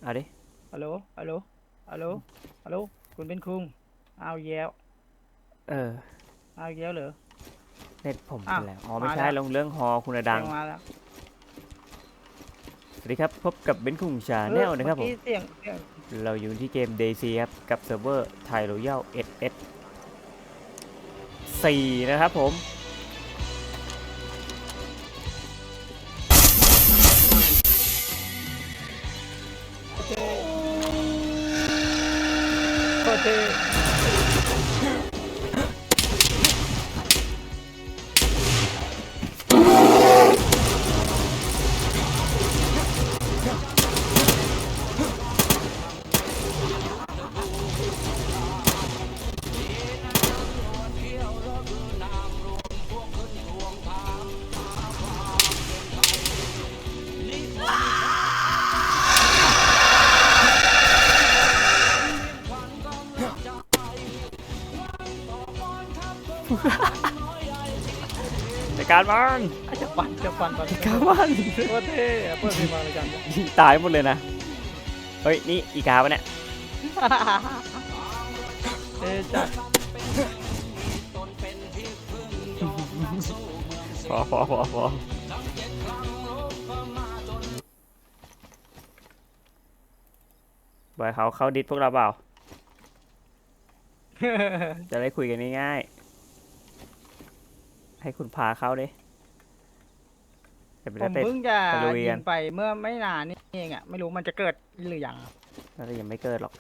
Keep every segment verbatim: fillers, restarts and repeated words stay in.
เอาดิฮัลโหลฮัลโหลฮัลโหลฮัลโหลคุณเป็นคุงเอาแย้วเออเอาแย้วเหรอเน็ตผมอ้าวเป็นแล้วอ๋อไม่มาใช่แล้วลงเรื่องฮอคุณดังเสียงมาแล้วสวัสดีครับพบกับเบนคุงชาเอแนอลนะครับผมเมื่อกี้เสียงเสียงเราอยู่ที่เกม เดย์ซี ครับกับเซิร์ฟเวอร์ไทยรอยัล เอส เอส สี่นะครับผมโคตรเท่ในการมันอาจจะปั่นจะปั่นปั่นในการมันโคตรเท่เปิดเพลงมาเลยกันยิงตายหมดเลยนะเฮ้ยนี่อีกาปะเนี่ยเท่จัดพอพอพอพอบอยเขาเขาดิสพวกเราเปล่าจะได้คุยกันง่ายๆให้คุณพาเขาดิเดี๋ยวไปผมเต้นเพิ่งจะตะลุยยิกังนไปเมื่อไม่นานนี่เองอ่ะไม่รู้มันจะเกิดหรือยังน่าจะยังไม่เกิดหรอก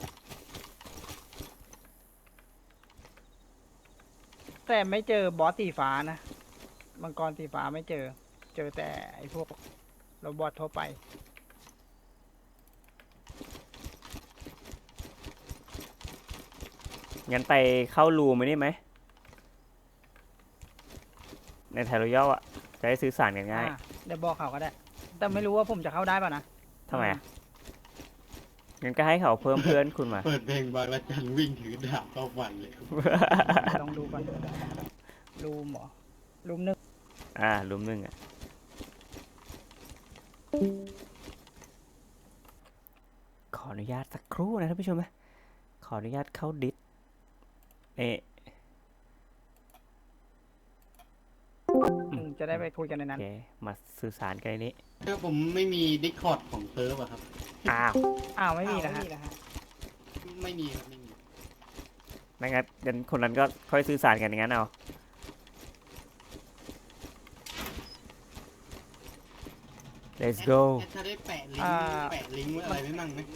แต่ไม่เจอบอสสีฟ้านะมังกรสีฟ้าไม่เจอ เจอแต่ไอ้พวกโรบอททั่วไปงั้นไปเข้ารูมไหมนี่ไหมในไทยรอยัลอ่ะจะได้สื่อสารกันง่ายอ่ะเดี๋ยวบอกเขาก็ได้ แต่ไม่รู้ว่าผมจะเข้าได้ป่ะนะทำไมอ่ะงั้นก็ให้เขาเพิ่มเพื่อนคุณมาเปิดเพลงบางระจันวิ่งถือดาบเข้าฟันเลยลองดูก่อนรูมเหรอรูมหนึ่งอ่ารูมหนึ่งอ่ะขออนุญาตสักครู่นะท่านผู้ชมนะขออนุญาตเข้าดิสเอ๊ะอืมจะได้ไปคุยกันในโอนั้นเคมาสื่อสารกันในนี้ถ้าผมไม่มีดิสคอร์ดของเซิร์ฟอะครับอ้าวอ้าวไม่มีนะฮะไม่มีครับไม่มีไม่งั้นเดี๋ยวคนนั้นก็ค่อยสื่อสารกันอย่างนั้นเอา let's go แอดถ้าได้แปะลิงอ่าก์แปะลิงก์ไว้อะไรไว้มั่งไหม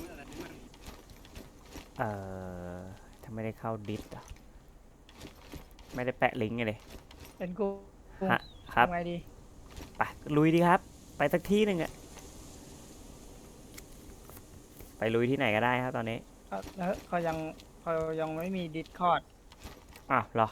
เอ่อถ้าไม่ได้เข้าดิสอ่ะไม่ได้แปะลิงก์ไงเลยเป็นกูฮะครับทำไงดีไปลุยดีครับ ไปสักที่หนึ่งอะไปลุยที่ไหนก็ได้ครับตอนนี้เขาแล้วเขายังเขายังไม่มีดิสคอร์ดอ้าวเหรอ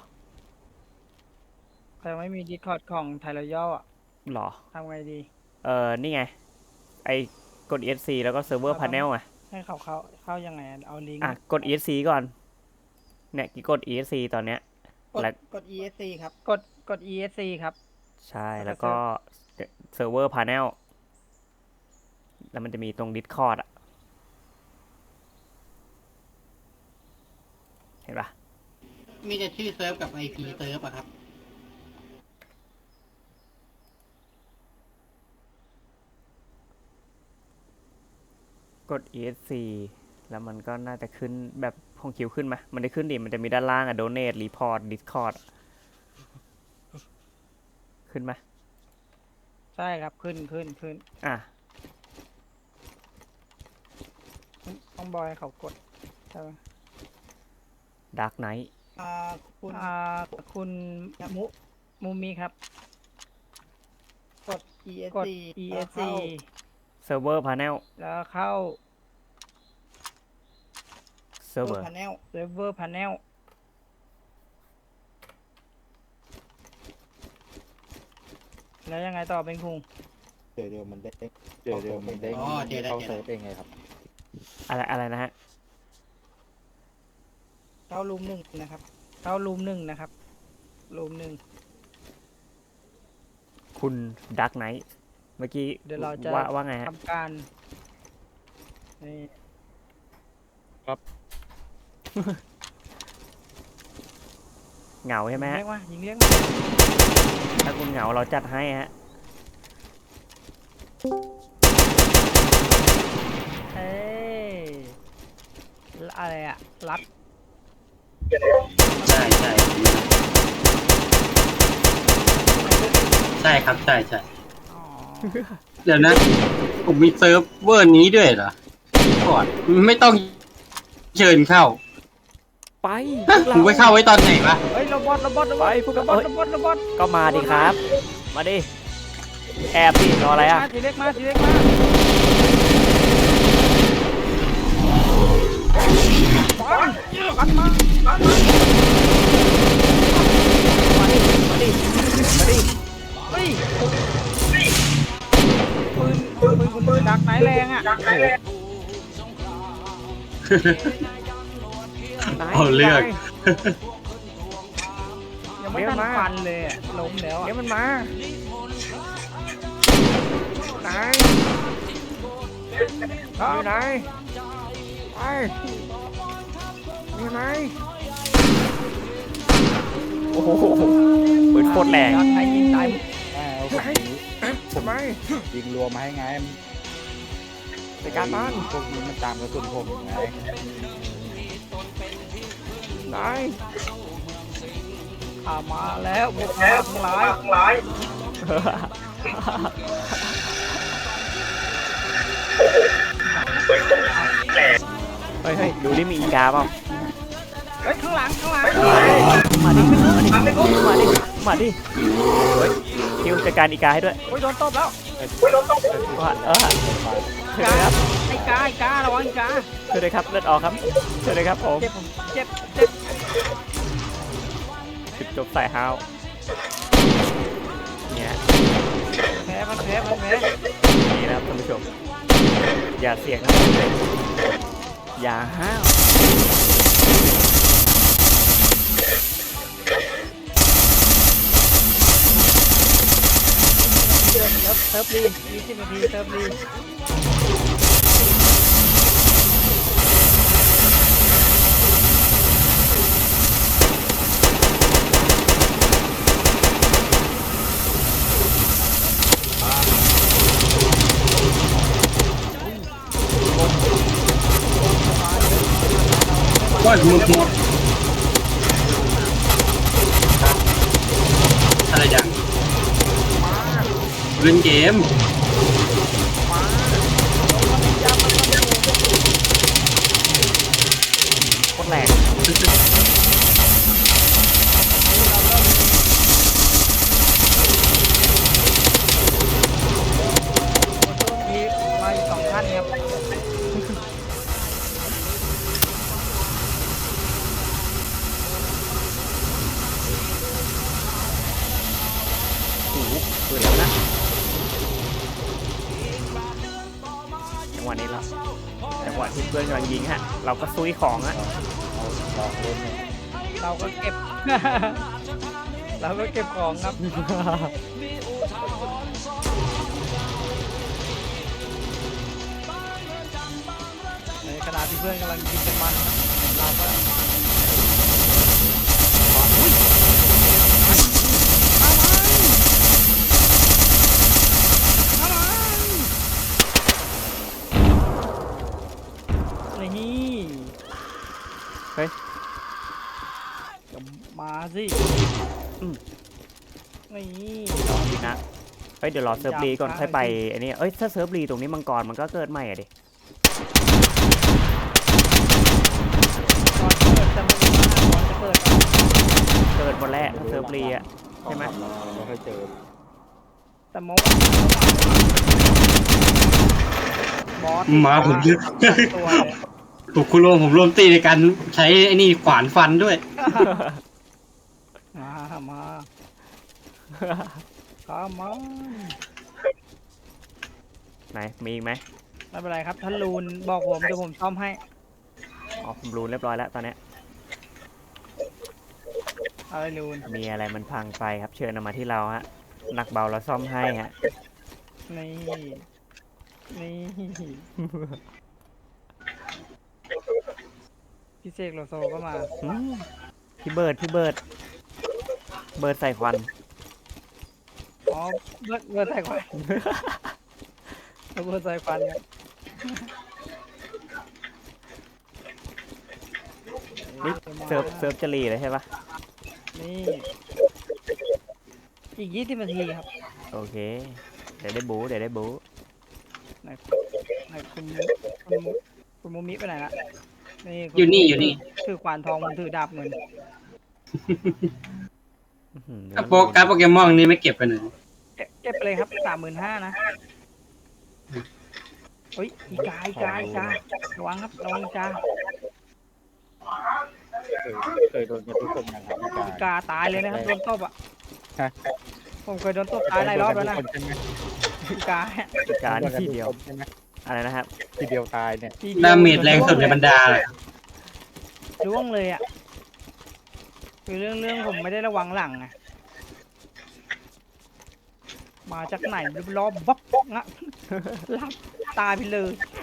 เขายังไม่มีดิสคอร์ดของไทยรอยัลอ่ะเหรอทำไงดีเออนี่ไงไอ้กด อี เอส ซี แล้วก็เซิร์ฟเวอร์พาเนลอ่ะให้เขาเข้าเข้ายังไงอะเอาลิงก์อ่ะกด อี เอส ซี ก่อนเนี่ยกี่กด อี เอส ซี ตอนเนี้ยกดแล้วกด อี เอส ซี ครับ กดกด อี เอส ซี ครับใช่แล้แล้ววก็ก็เซิร์ฟเวอร์พาเนลแล้วมันจะมีตรง Discord อ่ะเห็นปะมีแต่ชื่อเซิร์ฟกับไอพีเซิร์ฟอะครับกด อี เอส ซี แล้วมันก็น่าจะขึ้นแบบของคิวขึ้นไหมมันได้ขึ้นดิมันจะมีด้านล่างอ่ะ Donate Report Discord ขึ้นไหมใช่ครับขึ้นขึ้นขึ้นอ่ะต้องบอยให้เขากดใช่ไหม Dark Knight อ่าคุณอ่าคุณมุมุมีครับกด อี เอสกดซีอี เอส ซี Server Panel แล้วเข้า Server Panel Server Panel แล้วยังไงต่อเป็นคุงเดี๋ยวเดี๋ยวมันเด้งเดี๋ยวเดี๋ยวมันเด้งอ๋อเจอแล้วเข้าเจอแล้วเซิร์ฟเองไงครับอะไรอะไรนะฮะเข้ารูมหนึ่งนะครับ เข้ารูมหนึ่งนะครับ รูมหนึ่งคุณ Dark Knight เมื่อกี้เดี๋ยวเราจะว่าว่าไงฮะทำการนี่ครับเหงาใช่ไหมยิงฮะเรียกมายิงเรียกมาถ้าคุณเหงาเราจัดให้ฮะเอ้ยอะไรอะรัดใช่ใช่ใช่ครับใช่ใช่อ๋อเดี๋ยวนะ ผมมีเซิร์ฟเวอร์นี้ด้วยเหรอก่อนไม่ต้องเชิญเข้าไปฮะผมไปเข้าไว้ตอนไหนวะเฮ้ยโรบอทโรบอทโรบไปอทพวกโรเราบอทเอ้ยโรบอทโรบอทก็มาดิครับ มาดิ แอบดิรออะไรอ่ะทีเล็กมาทีเล็กมาปังปังมาปังมามาดิ มาดิ มาดิเฮ้ยปืนปืนคุณปืนดักไหนแรงอ่ะโอ้โหนายเอาเรื่องนายยังไม่ทันฟันเลยอะล้มแล้วเดี๋ยอ่ะวมันมา นายอยู่ไหนไปอยู่ไหนโอ้โหปืนโคตรแรงดักไหนยิงตายอ่าเอาผมทำไมยิงรวมมาให้ไงในการบ้านพวกนี้มันตามกระสุนผมไงนายข้ามาแล้วพวกมาทั้งหลายทั้งหลายเฮ้ยเฮ้ยดูดิมีอีกาเปล่าเฮ้ยข้างหลังข้างหลังมาดิ มาดิ มาดิ มาดิ เฮ้ยคิวจัดการอีกาให้ด้วยโอ้ยโดนตบแล้วว่าเออช่วยด้วยครับไอ้กาไอ้การะวังไอ้กาช่วยด้วยครับเลือดออกครับช่วยด้วยครับผมเจ็บผมเจ็บเจ็บจุดจบสายฮาวเนี่ยแพ้มันแพ้มันแพ้นี่นะครับท่านผู้ชม อย่าเสี่ยงนะอย่าห้าวเซิร์ฟเซิร์ฟรียี่สิบนาทีเซิร์ฟรีว่าหมดหมดอะไรอย่างเล่นเกมโคตรแรงมีมาอีกสองท่านครับโอ้โหปืนแล้วนะจังหวะนี้แล้วจังหวะที่เพื่อนกำลังยิงฮะ เราก็ซุยของฮะเอาลองเล่นเนี่ยเราก็เก็บ เราก็เก็บของครับในขณะที่เพื่อนกำลังยิงกันมันเราก็อุ๊ยเอามันเอามันนี่เฮ้ยก็มาสิอืมนี่รอดีนะเฮ้ยเดี๋ยวรอเซิร์ฟรีก่อนค่อยไปอันนี้เอ้ยถ้าเซิร์ฟรีตรงนี้มังกรมันก็เกิดใหม่อะดิก่อนเกิดจะไม่ได้ก่อนจะเกิดเกิดหมดแล้วถ้าเซิร์ฟรีอะ ใช่ไหมเราไม่ค่อยเจอแต่เมื่อวานบอสมาผมเยอะตัวเลยถูกคุณรวมผมรวมตีในการใช้ไอ้นี่ขวานฟันด้วยมามาข้ามาไหนมีอีกไหมไม่เป็นไรครับท่านลูนบอกผมเดี๋ยวผมซ่อมให้อ๋อผมรู้เรียบร้อยแล้วตอนเนี้ยอะไรลูนมีอะไรมันพังไปครับเชิญเอามาที่เราฮะหนักเบาเราซ่อมให้ฮะนี่นี่พี่เสกโลโซก็มาอืมพี่เบิร์ดพี่เบิร์ดเบิร์ดใส่ควันอ๋อเบิร์ดเบิร์ดใส่ควันเบิร์ดใส่ควันครับนี่เซิร์ฟเซิร์ฟจะรีเลยใช่ปะนี่ อีกยี่สิบนาทีครับโอเค เดี๋ยวได้บูเดี๋ยวได้บูไหนไหนคุณคุณคุณมูมิไปไหนละนี่คุณอยู่นี่อยู่นี่ถือขวานทองมันถือดาบเงินอื้อหือถ้าโปการ์ดโปเกมอนนี่ไม่เก็บกันเลยเก็บเก็บไปเลยครับสามหมื่นห้านะเฮ้ยอีกาอีกาอีการะวังครับระวังอีกาเคยเคยโดนกันทุกคนนะครับพี่กายอีกาตายเลยนะครับโดนตบอ่ะฮะผมเคยโดนตบตายหลายรอบแล้วนะโดกัทุกคนใช่ไหมอีกาอีกานี่ทีเดียวโนกันทุกคนใช่ไหมอะไรนะครับทีเดียวตายเนี่ยทียวดาเมจแรงสุดในบรรดาเลยล่วงเลยอ่ะคือเรื่องเรื่องผมไม่ได้ระวังหลังไงมาจากไหนรอบบับงะรับตายไปเลย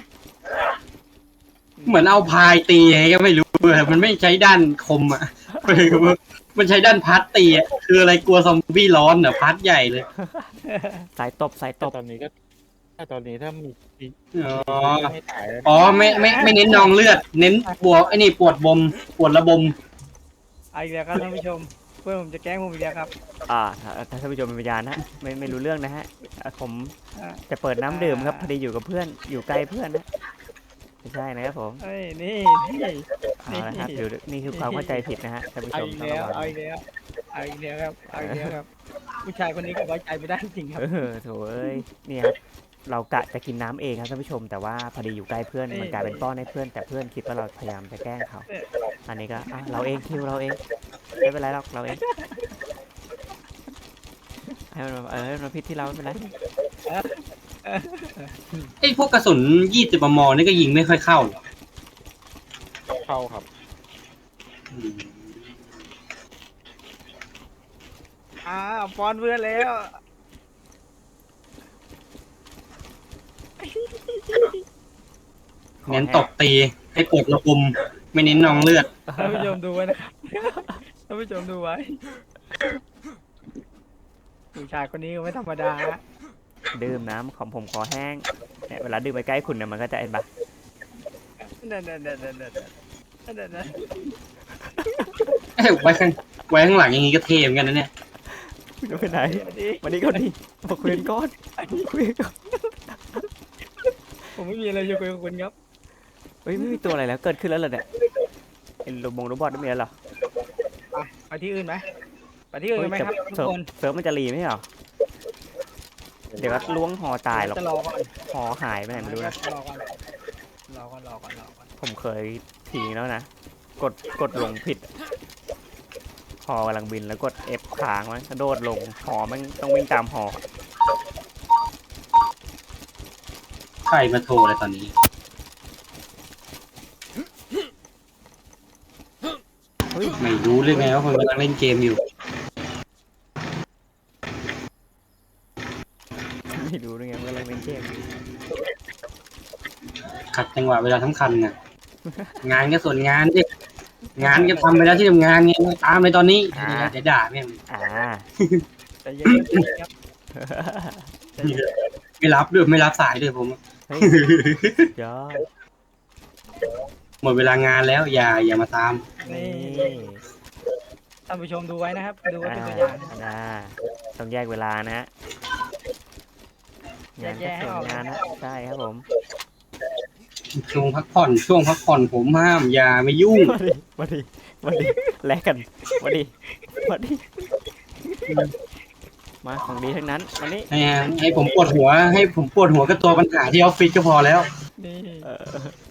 เหมือนเอาพายตีไงก็ไม่รู้เลยมันไม่ใช้ด้านคมอ่ะ มันใช้ด้านพัดตีอ่ะคืออะไรกลัวซอมบี้ร้อนเหรอพัดใหญ่เลยสายตบสายตแต่บตอนนี้ก็ ถ้าตอนนี้ถ้ามีอ๋อไม่ตายแล้วอ๋อไม่ไม่ไม่เน้นนองเลือด เน้นปวดไอ้นี่ปวดบมปวดระบมเอาอีกแล้วครับท่านผู้ชม เพื่อนผมจะแกล้งผมอีกแล้วครับอ่าถ้าถ้าท่านผู้ชมเป็นพยานนะไม่ไม่รู้เรื่องนะฮะอ่ะผมอ่าจะเปิดน้ำดื่มครับพอดีอยู่กับเพื่อนอยู่ใกล้เพื่อนนะไม่ใช่นะครับผมเอ้ยนี่นี่เอาละครับอยู่นี่คือความเข้าใจผิดนะฮะท่านผู้เอาชมอีกต้องแล้วระวังเอาอีกแล้วเอาอีกแล้วครับเอาอีกแล้วครับผู้ชายคนนี้ก็ไว้ใจไม่ได้จริงครับเออโถเอ้ยนี่ครับเรากะจะกินน้ำเองครับท่านผู้ชม แต่ว่าพอดีอยู่ใกล้เพื่อนมันกลายเป็นป้อนให้เพื่อนแต่เพื่อนคิดว่าเราพยายามจะแกล้งเขา อันนี้ก็อ่ะเราเองคิวเราเองไม่เป็นไรหรอกเราเองให้มันเออให้มันพิษที่เราไม่เป็นไรไอ้พวกกระสุนยี่สิบมมนี่ก็ยิงไม่ค่อยเข้าหรอกเข้าครับอืมอ่าฟอนเพื่อนแล้วเน้นตบตีให้ปวดระบมไม่เน้นนองเลือดท่านผู้ชมดูไว้นะครับท่านผู้ชมดูไว้ผู้ชายคนนี้ก็ไม่ธรรมดาฮะดื่มน้ำของผมคอแห้งเนี่ยเวลาดื่มไปใกล้คุณเนี่ยมันก็จะเอ็นปะเดินเดินเดินเดินเดินเดินเดินเดินเอ้ยไว้ข้างไว้ข้างหลังอย่างงี้ก็เท่เหมือนกันนะเนี่ยคุณจะไปไหนดีวันนี้ก็ดีมาคุยกันก่อนคุยกันก่อนผมไม่มีอะไรจะคุยกับคุณครับเฮ้ยไม่มีตัวอะไรแล้วเกิดขึ้นแล้วเหรอเนี่ยเอ็นโรบงโรบอทไม่มีแล้วเหรอไปไปที่อื่นไหมไปที่อื่นกันไหมครับทุกเซิร์ฟคนเซิร์ฟมันจะรีไหมเหรอเดี๋ยวก็ล้วงหอตายหรอกจะรอก่อนหอหายไปไหนไม่รู้นะรอก่อนรอก่อนรอก่อนรอก่อนผมเคยทิ้งแล้วนะกดกดลงผิดหอกำลังบินแล้วกด F ค้างมันกระโดดลงหอมันต้องวิ่งตามหอใครมาโทรอะไรตอนนี้เฮ้ยไม่รู้เลยไงว่าคนกำลังเล่นเกมอยู่ไม่รู้ด้วยไงว่าอะไรเป็นเกมขัดจังหวะเวลาสำคัญน่ะ งานก็ส่วนงานดิงานก็ทำไปแล้วที่ทำงานไงตามเลยตอนนี้เดี๋ยวด่าแม่งอ่าใจเย็นๆครับใจเย็นไม่รับด้วยไม่รับสายด้วยผมเฮ้ยยอดหมดเวลางานแล้ว อย่าอย่ามาตามนี่ท่านผู้ชมดูไว้นะครับ ดูไว้อ่าเป็นตัวอย่างอ่าต้องแยกเวลานะฮะงานก็ส่วนงานนะใช่ครับผมช่วงพักผ่อนช่วงพักผ่อนผมห้ามอย่าไม่ยุ่งมาดิมาดิมาดิแลกกันมาดิมาดิมาของดีทั้งนั้นวันนี้ให้ให้ผมปวดหัว ให้ผมปวดหัวกับตัวปัญหาที่ออฟฟิศก็พอแล้วนี่เออ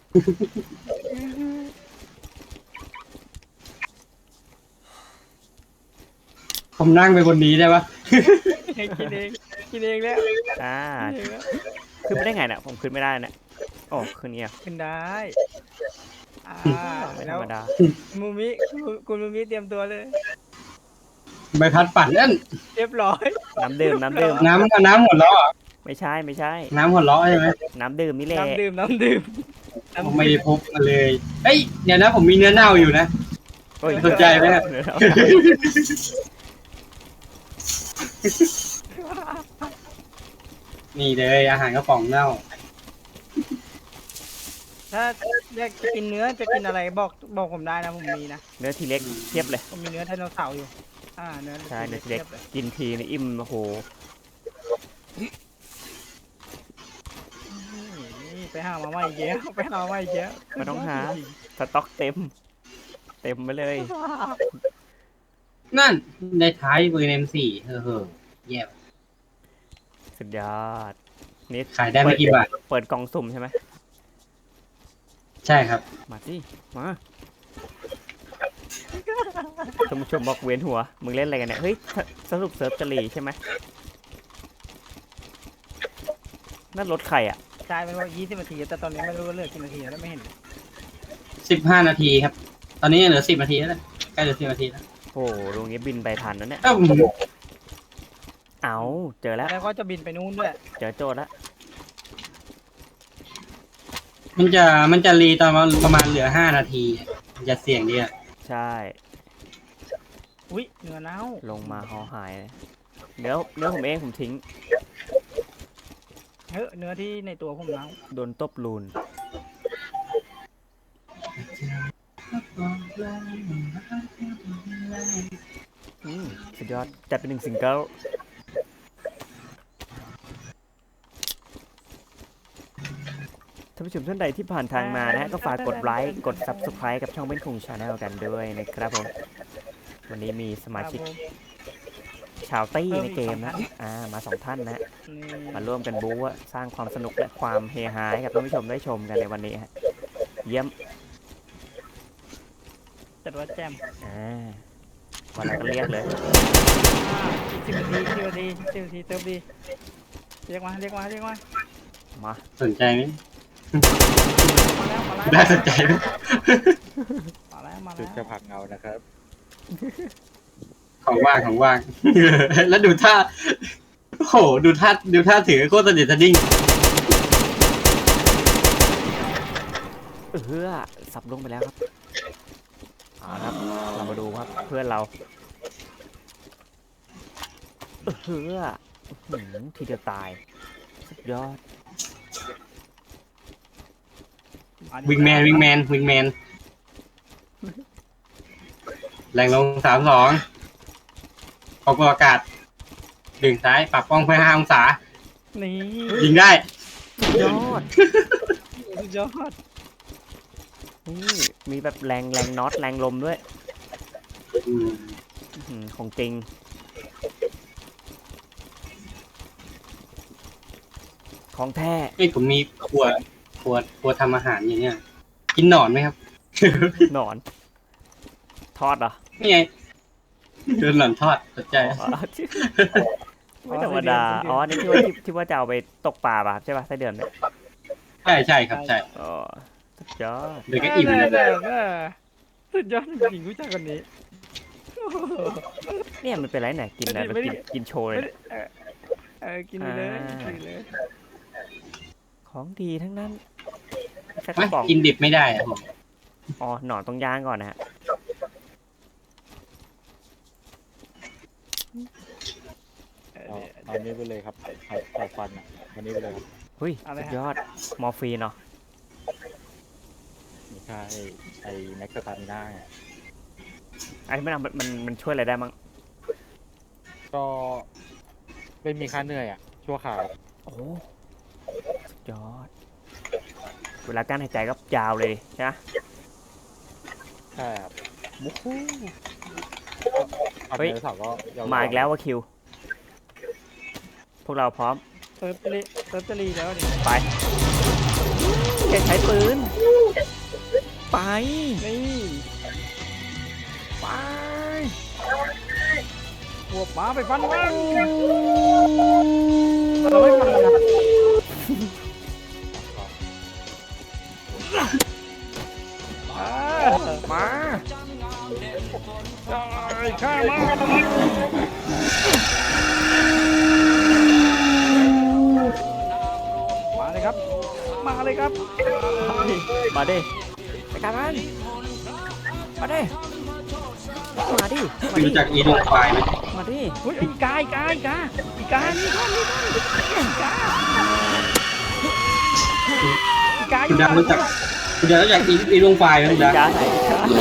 ผมนั่งไปบนนี้ได้ปะกินเองกินเองแล้วอ่ากินเองแล้วขึ้นไม่ได้ไงเนี่ยผมขึ้นไม่ได้เนี่ยโอ้ขึ้นเงี้ยขึ้นได้อ่าไม่ธแล้รวรมดามูมิคุณคุณมูมิเตรียมตัวเลยใบพัดปั่นนั่นเรียบร้อยน้ำดื่มน้ำดื่มน้ำน้ำหมดแล้วเหรอไม่ใช่ไม่ใช่น้ำหัวเราะใช่ไหมน้ำดื่มนี่แหละน้ำดื่มน้ำดื่มผมไม่ได้พบมาเลยเฮ้ยเดี๋ยวนะผมมีเนื้อเน่าอยู่นะโอ้ยสนใจไหมเนี่ย นี่เลยอาหารกระป๋องเน่าถ้าอยากจะกินเนื้อจะกินอะไรบอกบอกผมได้นะผมมีนะเนื้อทีเล็กเทียบเลยผมมีเนื้อไดโนเสาร์อยู่ อ่าเนื้อใช่เนื้อทีเล็กทียบเลยกินทีนี่อิ่มโอ้โหนี่ไปหามาใหม่เยอะไปหามาใหม่เยอะไม่ต้องหาสต็อกเต็ม เต็มไปเลยนั่นในท้ายปืน เอ็ม โฟร์ เฮ้อเฮ้อแย่สุดยอดนี่ขายได้ไม่กี่บาทเปิดกล่องสุ่มใช่ไหมใช่ครับมาสิมาชมชมบอกเวียนหัวมึงเล่นอะไรกันเนี่ยเฮ้ยสสรุปเซิร์ฟจะรีใช่ไหมนั่นรถใครอ่ะกลายเป็นว่ายี่สิบนาทีแต่ตอนนี้ไม่รู้ว่าเหลือกี่นาทีแล้วไม่เห็นสิบห้านาทีครับ ตอนนี้เหลือสิบนาทีแล้วนะใกล้เหลือสิบนาทีแล้วโอ้โหลุงนี้บินไปทันแล้วเนี่ยเอ้าเอาเจอแล้วแล้วก็จะบินไปนู่นด้วยเจอโจทย์แล้วมันจะมันจะรีตอนประมาณเหลือห้านาทีมันจะเสี่ยงดีอะใช่อุ้ยเนื้อเน่าลงมาหอหายเลยเดี๋ยวเนื้อผมเองผมทิ้งเฮ้ยเนื้อที่ในตัวผมเน่าโดนตบลูนอืมสุดยอดจัดเป็นหนึ่งซิงเกิลท่านผู้ชมท่านใดที่ผ่านทางมานะฮะก็ฝากกดไลค์กด ซับสไครบ์ กับช่องเบ้นคุงชาแนลกันด้วยนะครับผม วันนี้มีสมาครับชิกผมชาวตี้เพิ่มในอีกเกมสองท่านะนอ่ามาสองท่านนะนี่มาร่วมกันบู๊อะสร้างความสนุกและความเฮฮาให้กับท่านผู้ชมได้ชมกันในวันนี้ฮะเยี่ยมจัดว่าแจมอ่าวันเราก็เรียกเลยอ่าอีกสิบนาทีสิบนาทีสิบนาทีเติมดีเรียกมาเรียกมาเรียกมามาสนใจไหมมาแล้วมาแล้วน่าสนใจไหมมาแล้วมาจุดแล้วจะผลักเงานะครับของว่างของว่าง แล้วดูท่าโอ้โหดูท่าดูท่าถือโคตรสนิทสดิ้งเออสับลงไปแล้วครับเอาละครับเรามาดูครับเพื่อนเราเอออื้อหือทีเดียวตายสุดยอดาดิวิงแมนวิงแมนวิงแมนแรงลงสามสองขอบอากาศดึงซ้ายปรับป้องเพื่อห้าองศานี่ยิงได้สุดยอดสุดยอดนี่มีแบบแรงแรงน็อตแรงลมด้วยอืมอื้อหือของจริงของแท้เอ้ยผมมีขวดขวดขวดทำอาหารอย่างเงี้ย กินหนอนไหมครับหนอน ทอดเหรอนี่ไงโดนหนอนทอดสนใจอ๋อไม่ธรรมดาอ๋อนี่ที่ว่าที่ที่ว่าจะเอาไปตกปลาป่ะครับใช่ป่ะไส้เดือนเนี่ยใช่ใช่ครับใช่อ๋อสุดยอดเดี๋ยวก็อิ่มเอเลอย เออเออสุดยอดจริงๆผู้ชายคนนี้เนี่ยมันเป็นไรเนี่ยกินแล้วไม่ได้กินกินโชว์เลยไม่เนี่ยได้เออเออกินไปเลยอ่ากินไปเลยของดีทั้งนั้นสักกไม่ระป๋องกินดิบไม่ได้อะผมอ๋อหนอนต้องย่างก่อนนะฮะเออเอาเนี่ยเอานี้ไปเลยครับใส่ใส่ฟันอ่ะอันนี้ไปเลยครับเฮ้ยอะไรสุดฮะยอดมอร์ฟีนเนาะไม่ใช่ไอ้แม็กซ์ตามิน่าไงไอ้มันมันมันมันช่วยอะไรได้มั้งก็ไม่มีค่าเหนื่อยอ่ะ ชั่วข่าวโอ้โหสุดยอด เวลาการหายใจก็ยาวเลยใช่ไหมใช่ครับโอ้โหเอาเฮ้ยเนื้อเสาร์ก็ยาวๆมาอีกแล้วว่าคิว พวกเราพร้อมเติร์ตลีเติร์ตลีแล้วดิไปแกใช้ปืน ไปนี่ไปบวกมาไปฟันมันเราไม่ฟันมันนะอ่ามาได้ข้ามาครับ มาเลยครับมาดิไปกันมันมาดิมาดิมาไม่ดิรู้จักอีดวงไฟไหมมาดิเฮ้ยอีกาอีกาอีกาอีกานี่ครับนี่ครับอีกาอีกาอคุณยู่ดังรู้จักคุณดังรู้จักอีอีดวงไฟไหมคุณดังจ้าไหนจ้าไหน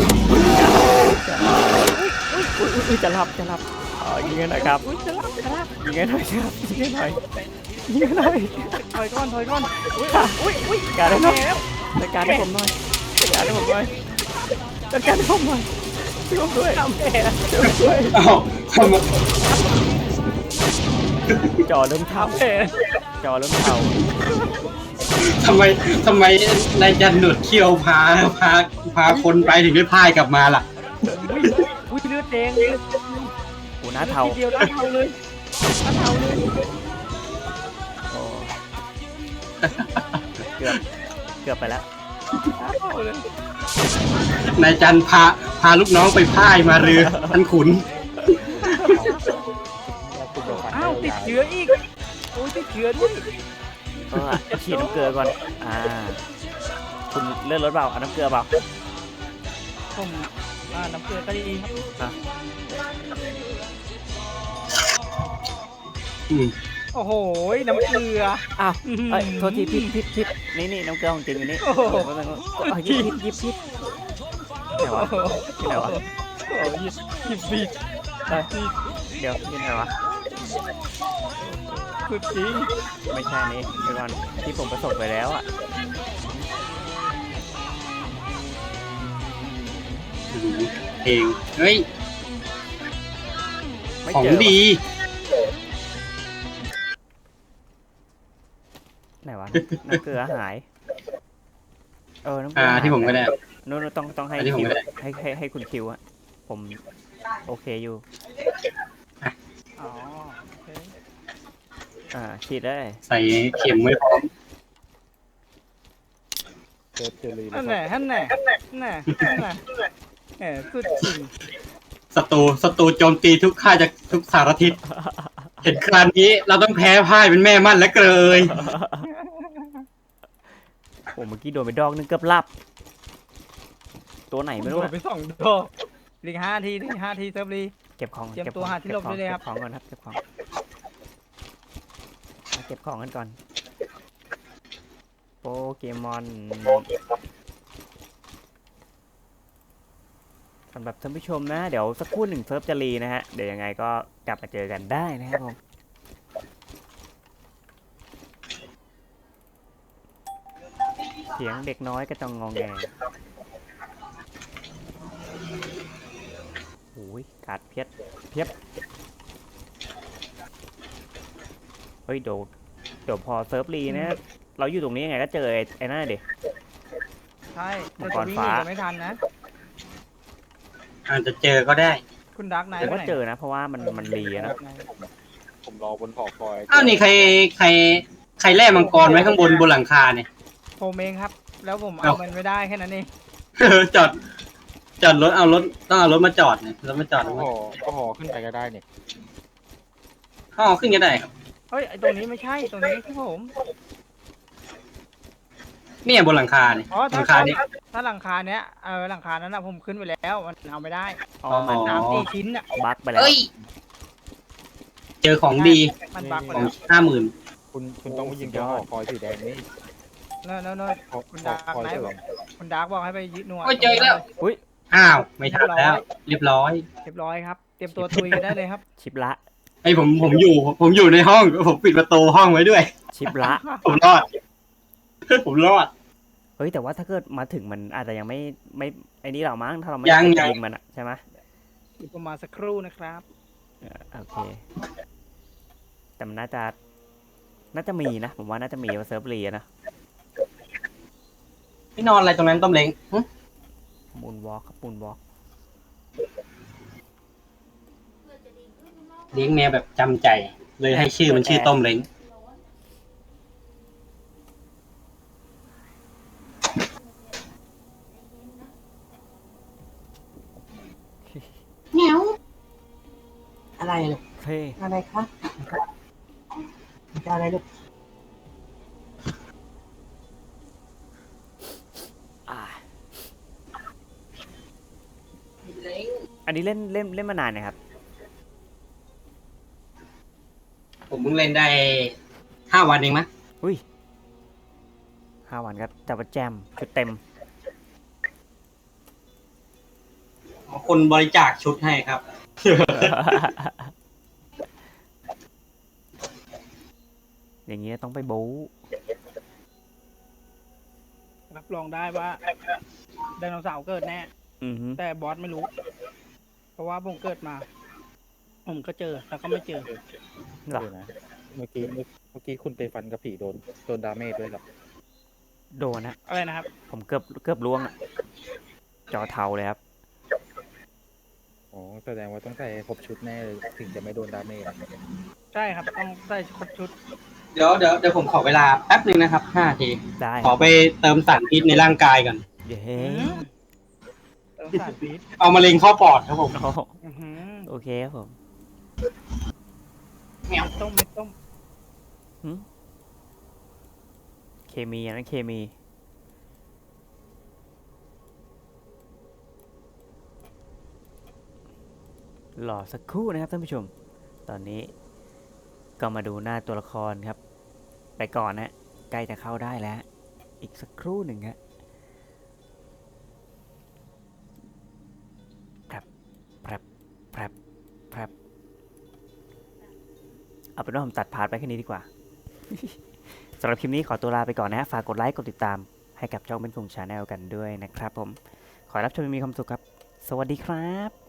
อุ้ยอุ้ยอุ้ยจะหลับจะหลับอ๋อยิงกันหน่อยครับอุ้ยจะรับจะรับยิงกันหน่อยครับยิงกันหน่อยยิงกันหน่อยถอยก่อนถอยก่อนอุ้ยอุ้ยอุ้ยการให้หน่อยแล้วจัดการให้ผมหน่อยจัดการให้ผมหน่อยจัดการให้ผมหน่อยช่วยผมด้วยช่วยผมด้วยอ้าวทำไมจอเริ่มเท่าเอ๋จอเริ่มเท่าทำไมทำไมนายจันหนวดเขี้ยวพาพาพาคนไปถึงได้พ่ายกลับมาล่ะอุ้ยอุ้ยเลือดแดงเลยโอ้หน้าเท่าทีเดียวหน้าเทาเลยหน้าเทาเลยโอ้เกือบเกือบไปแล้วหน้าเทาเลยนายจันพาพาลูกน้องไปพ่ายมาเรือท่านขุนอ้าวติดเชื้ออีกโอ้ยติดเชื้อด้วยเออฉีดน้ำเกลือก่อนอ่าคุณเลื่อนรถเปล่าเอาน้ำเกลือเปล่าผมอ่าน้ำเกลือก็ดีครับอืมโอ้โหน้ำเกลืออ้าวเอ้ยโทษทีพิษพิษพิษนี่นี่น้ำเกลือของจริงอยู่นี่โอ้โหเอายิบพิษยิบพิษไหนวะที่ไหนวะโอ้ยหยิบบีดเอ้ยเดี๋ยวที่ไหนวะสุดจริงไม่ใช่นี้เดี๋ยวก่อนที่ผมประสบไปแล้วอ่ะเพลงเฮ้ยไม่ของเจอดีไหนวะน้ำเกลือหายเออน้ำเกลือ่าอหายที่ผมก็ได้นู้นต้องต้องให้อันนี้ผมคิวไม่ได้ให้ให้ให้คุณคิวอะผมโอเคอยู่อ๋อโอเคอ่าฉีดได้ใส่เข็มไว้พร้อมเจอเจอรีนั่นแหละนั่นแหละนั่นแหละนั่นแหละแหมสุดจริงศัตรูศัตรูโจมตีทุกค่ายจากทุกสารทิศเห็นคราวนี้เราต้องแพ้พ่ายเป็นแม่มั่นและเกลยโอ้เมื่อกี้โดนไปดอกนึงเกือบหลับ ตัวไหนไม่รู้โดนอะไปสองดอกลิงห้าทีลิงห้าทีเซิร์ฟรีเก็บของเตรียมก็บตัวของหาที่หลบก็บของได้เลยครับเก็บของก่อนครับเก็บของมาเก็บของกันก่อนโปเกมอนสำหรับท่านผู้ชมนะ เดี๋ยวสักครู่หนึ่งเซิร์ฟจะรีนะฮะเดี๋ยวยังไงก็กลับมาเจอกันได้นะครับผมเสียงเด็กน้อยก็ต้องงองแงโอ้ยกาดเพียบเพียบเฮ้ยเดี๋ยวเดี๋ยวพอเซิร์ฟรีนะ เราอยู่ตรงนี้ยังไงก็เจอไอ้ไอ้นั่นเด็กใช่มัแต่งกจะรวิ่งฟ้าหนีกันไม่ทันนะอาจจะเจอก็ได้คุณดักไนท์เดี๋ยวไปก็ไหนเจอนะ เพราะว่ามันมันรีอะนะผมรอบนหอคอยอ้าวนี่ใครใครใครแล่มังกรไว้ข้างบนบนหลังคาเนี่ยผมเองครับ แล้วผมเอ้าเอามันไม่ได้แค่นั้นเองจอดจอดรถเอารถต้องเอารถมาจอดเนี่ยรถมาจอดก็แล้วหอก็หอขึ้นไปก็ได้เนี่ยอ๋อขึ้นก็ได้ครับเฮ้ยไอตรงนี้ไม่ใช่ตรงนี้ไม่ใช่ผมเนี่ยบนหลังคาเนี่ยอ๋อหถ้าลังคาเนี่ยถ้าหลังคาเนี้ยเออหลังคานั้นนะผมขึ้นไปแล้วมันเอาไม่ได้อ๋อมันอ๋อสามสี่ชิ้นอ่ะบั๊กไปแล้วเอ้ยเจอของดีมันบักไปของแล้วห้าหมื่นคุณคุณต้องไปยิงตัวหอคอยสีแดงนี่เนอะเนอะเนอะหอคุณหอดาร์กคอยไนเสท์ริบอกมคุณดาร์กบอกให้ไปยึดหน่วยโอ้ยเจออีกแล้วอุ้ยอ้าวไม่ทันแล้ว เรียบร้อยเรียบร้อยครับ เตรียมตัวตุยกันได้เลยครับชิบละไอ้ผมผมอยู่ ผมอยู่ในห้องผมปิดประตูห้องไว้ด้วยชิบละผมรอด ผมรอดเฮ้ยแต่ว่าถ้าเกิดมาถึงมันอาจจะยังไม่ไม่ไอ้นี่เรามั้งถ้าเราไม่ยังได้ยังยิงมันอะใช่ไหมอีกประมาณสักครู่นะครับเออโอเคแต่มันน่าจะน่าจะมีนะผมว่าน่าจะมีว่าเซิร์ฟรีอะนะพี่นอนอะไรตรงนั้นต้มเล้งหึมูนวอล์กครับมูนวอล์กเลี้ยงแมวแบบจำใจ เลยให้ชื่อมันชื่อต้มเล้งเหนียวอะไรลูกเฮ้ยอะไรคะจะอะไรลูกอันนี้เล่นเล่นเล่นมานานนะครับผมเพิ่งเล่นได้ห้าวันเองมั้ยอุ้ยห้าวันก็จับว่าแจมชุดเต็มคนบริจาคชุดให้ครับอย่างเงี้ยต้องไปบู๊รับรองได้ว่าไดโนเสาร์เกิดแน่อือฮึแต่บอสไม่รู้ เพราะว่าผมเกิดมา ผมก็เจอแล้วก็ไม่เจอหรอเดี๋ยวนะ เมื่อกี้เมื่อเมื่อกี้คุณไปฟันกับผีโดนโดนดาเมจด้วยเหรอโดนนะอะไรนะครับผมเกือบเกือบล่วงอะจอเทาเลยครับอ๋อแสดงว่าต้องใส่ครบชุดแน่เลยถึงจะไม่โดนดาเมจอะใช่ครับ ต้องใส่ครบชุดเดี๋ยวเดี๋ยวเดี๋ยวผมขอเวลาแป๊บหนึ่งนะครับห้านาทีได้ขอไปเติมสารพิษในร่างกายก่อนเย้เติมสารพิษเอามะเร็งเข้าปอดครับผมโอ้โหอื้อหือโอเคครับผมเม็ดต้มเม็ดต้มเคมีอันนั้นเคมี หล่อสักครู่นะครับท่านผู้ชม ตอนนี้ก็มาดูหน้าตัวละครครับ ไปก่อนนะใกล้จะเข้าได้แล้ว อีกสักครู่หนึ่งฮะแพรบแพรบแพรบแพรบเอาเป็นว่าผมตัดพาร์ทไปแค่นี้ดีกว่า สำหรับคลิปนี้ขอตัวลาไปก่อนนะฮะฝากกดไลค์กดติดตามให้กับช่องเป็นคงชาแนลกันด้วยนะครับผม ขอให้รับชมมีความสุขครับ สวัสดีครับ